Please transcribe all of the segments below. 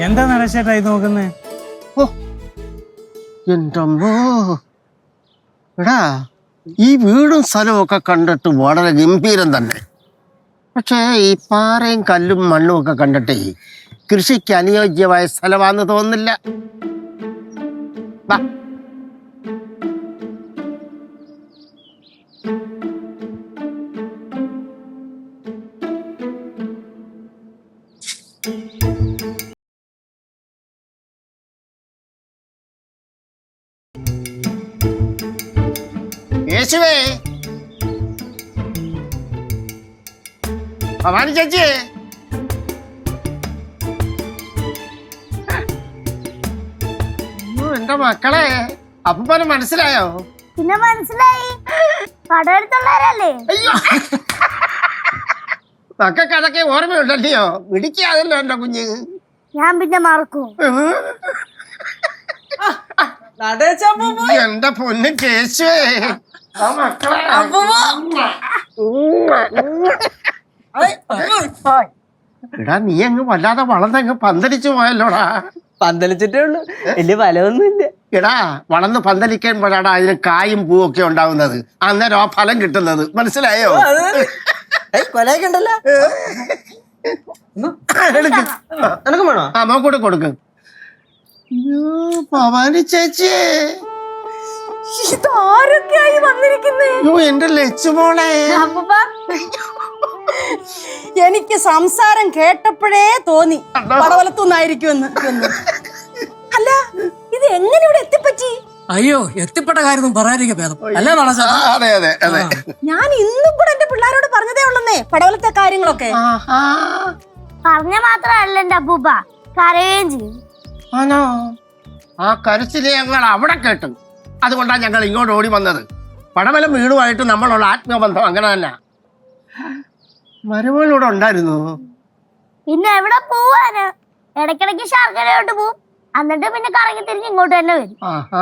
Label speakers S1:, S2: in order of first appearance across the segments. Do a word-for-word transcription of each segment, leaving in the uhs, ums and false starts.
S1: എന്താ നടച്ചേട്ടായി നോക്കുന്നേ?
S2: ഓ എൻ്റെ അമ്മോ, എടാ ഈ വീടും സ്ഥലവും ഒക്കെ കണ്ടിട്ട് വളരെ ഗംഭീരം തന്നെ. പക്ഷേ ഈ പാറയും കല്ലും മണ്ണും ഒക്കെ കണ്ടിട്ടേ കൃഷിക്ക് അനുയോജ്യമായ സ്ഥലമാണെന്ന് തോന്നുന്നില്ല. വാ. യേശുവേ, ഭവാനി ചേച്ചി, എന്റെ മക്കളെ അപ്പൂപ്പനെ മനസ്സിലായോ?
S3: പിന്നെ മനസ്സിലായി, കടയെടുത്തുള്ളവരല്ലേ?
S2: അയ്യോ, മക്കൾക്ക് അതൊക്കെ ഓർമ്മയുണ്ടല്ലയോ? പിടിക്കാതല്ലോ എന്റെ കുഞ്ഞ്.
S3: ഞാൻ പിന്നെ മറക്കും.
S2: എന്റെ പൊന്ന് കേശുവേ, എടാ നീ അങ്ങ് വല്ലാതെ വളർന്നങ്ങ് പന്തലിച്ചു പോയല്ലോടാ.
S4: പന്തലിച്ചിട്ടേ ഉള്ളു, വലിയ ഫലമൊന്നുമില്ല.
S2: എടാ വളർന്ന് പന്തലിക്കുമ്പോഴാണ് അതിന് കായും പൂവും ഒക്കെ ഉണ്ടാവുന്നത്. അന്നേരം ആ ഫലം കിട്ടുന്നത്. മനസ്സിലായോ?
S4: കൊലയൊക്കെ ഉണ്ടല്ലോ. എനക്കും വേണോ?
S2: ആ മോക്കൂടെ കൊടുക്ക്. ഭവാനി ചേച്ചി,
S3: ഇതാരൊക്കെയായി വന്നിരിക്കുന്നേ?
S2: എന്റെ ലച്ചുമോളെ,
S5: എനിക്ക് സംസാരം കേട്ടപ്പോഴേ തോന്നി പടവലത്തുനിന്നായിരിക്കുമെന്ന്. അല്ല, ഇത് എങ്ങനെ ഇവിടെ എത്തിപ്പറ്റി?
S6: അയ്യോ, എത്തിപ്പെട്ട കാര്യം പറയാതിരിക്കും ഭേദം അല്ലേ?
S2: അതെ അതെ അതെ,
S5: ഞാൻ ഇന്നും കൂടെ എന്റെ പിള്ളേരോട് പറഞ്ഞതേ ഉള്ളന്നേ പടവലത്തെ കാര്യങ്ങളൊക്കെ.
S3: പറഞ്ഞ മാത്രല്ല എന്റെ അപ്പൂപ്പ, കരയുകയും ചെയ്യും.
S2: ആണോ? ആ കരച്ചില് ഞങ്ങൾ അവിടെ കേട്ടു. അതുകൊണ്ടാണ് ഞങ്ങൾ ഇങ്ങോട്ട് ഓടി വന്നത്. പടവലം വീടുമായിട്ട് നമ്മളുള്ള ആത്മബന്ധം അങ്ങനെ തന്നെ. മരുമകളിവിടെ ഉണ്ടായിരുന്നു.
S3: പിന്നെ എവിടെ പോവാന്? ഇടയ്ക്കിടയ്ക്ക് ശർക്കരയോട്ട് പോവും, എന്നിട്ട് പിന്നെ കറങ്ങി തിരിഞ്ഞ് ഇങ്ങോട്ട് തന്നെ വരും.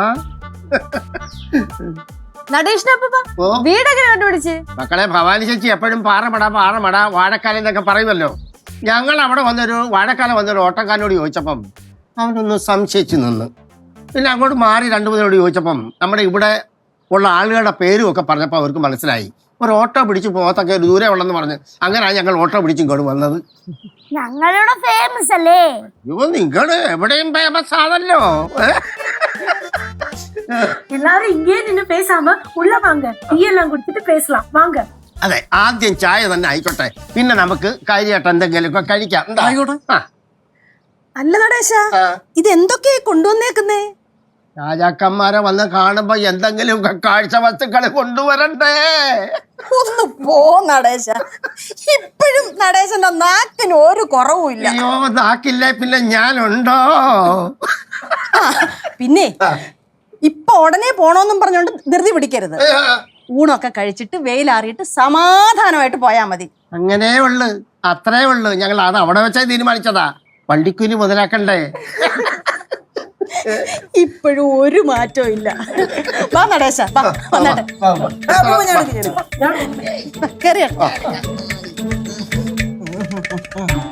S5: വീടൊക്കെ കണ്ടുപിടിച്ച്
S2: മക്കളെ, ഭവാനി ചേച്ചി എപ്പോഴും പാറമട പാറമട വാഴക്കാലം എന്നൊക്കെ പറയുമല്ലോ. ഞങ്ങൾ അവിടെ വന്നൊരു വാഴക്കാലം വന്നൊരു ഓട്ടക്കാരനോട് ചോദിച്ചപ്പം അവനൊന്ന് സംശയിച്ചു നിന്ന്. പിന്നെ അങ്ങോട്ട് മാറി രണ്ടു മൂന്നിനോട് ചോദിച്ചപ്പം നമ്മുടെ ഇവിടെ ഉള്ള ആളുകളുടെ പേരും ഒക്കെ പറഞ്ഞപ്പോൾ അവർക്ക് മനസ്സിലായി. ഒരു ഓട്ടോ പിടിച്ച് പോകത്തൊക്കെ ഒരു ദൂരെ ഉള്ളെന്ന് പറഞ്ഞ് അങ്ങനെയാണ് ഞങ്ങൾ ഓട്ടോ പിടിച്ച് ഇങ്ങോട്ട് വന്നത്.
S3: ഞങ്ങളുടെ ഫേമസ് അല്ലേ?
S2: അയ്യോ, നിങ്ങള് എവിടെയും ഫേമസ് ആണല്ലോ.
S7: எல்லாரும் இங்கே நின்னு பேசாம உள்ள வாங்க, டீ எல்லாம் குடிச்சிட்டு பேசலாம் வாங்க.
S2: അതെ, ആദ്യം ചായ തന്നെ ആയിക്കോട്ടെ, പിന്നെ നമുക്ക് കാര്യമായിട്ട് എന്തെങ്കിലുമൊക്കെ കഴിക്കാം.
S5: അല്ല നടേശ, ഇത് എന്തൊക്കെയാ കൊണ്ടുവന്നേക്കുന്നേ?
S2: രാജാക്കന്മാരെ വന്ന് കാണുമ്പോ എന്തെങ്കിലുമൊക്കെ കാഴ്ച വസ്തുക്കള് കൊണ്ടുവരണ്ടേ?
S5: ഒന്ന് പോ നടേശ, ഇപ്പോഴും നടേശന്റെ നാക്കിന് ഒരു കുറവുമില്ല.
S2: അയ്യോ, നാക്കില്ലേ പിന്നെ ഞാനുണ്ടോ?
S5: പിന്നെ ഇപ്പൊ ഉടനെ പോണോന്നും പറഞ്ഞോണ്ട് ധൃതി പിടിക്കരുത്. ഊണൊക്കെ കഴിച്ചിട്ട് വെയിലാറിയിട്ട് സമാധാനമായിട്ട് പോയാ മതി.
S2: അങ്ങനെ ഉള്ളു, അത്രേ ഉള്ളു. ഞങ്ങൾ അത് അവിടെ വെച്ചാ തീരുമാനിച്ചതാ. വണ്ടിക്കൂലി മുതലാക്കണ്ടേ?
S5: ഇപ്പോഴും ഒരു മാറ്റവും ഇല്ല. വാ നടേശ, വാ വന്നാട്ടെ. കേറിയ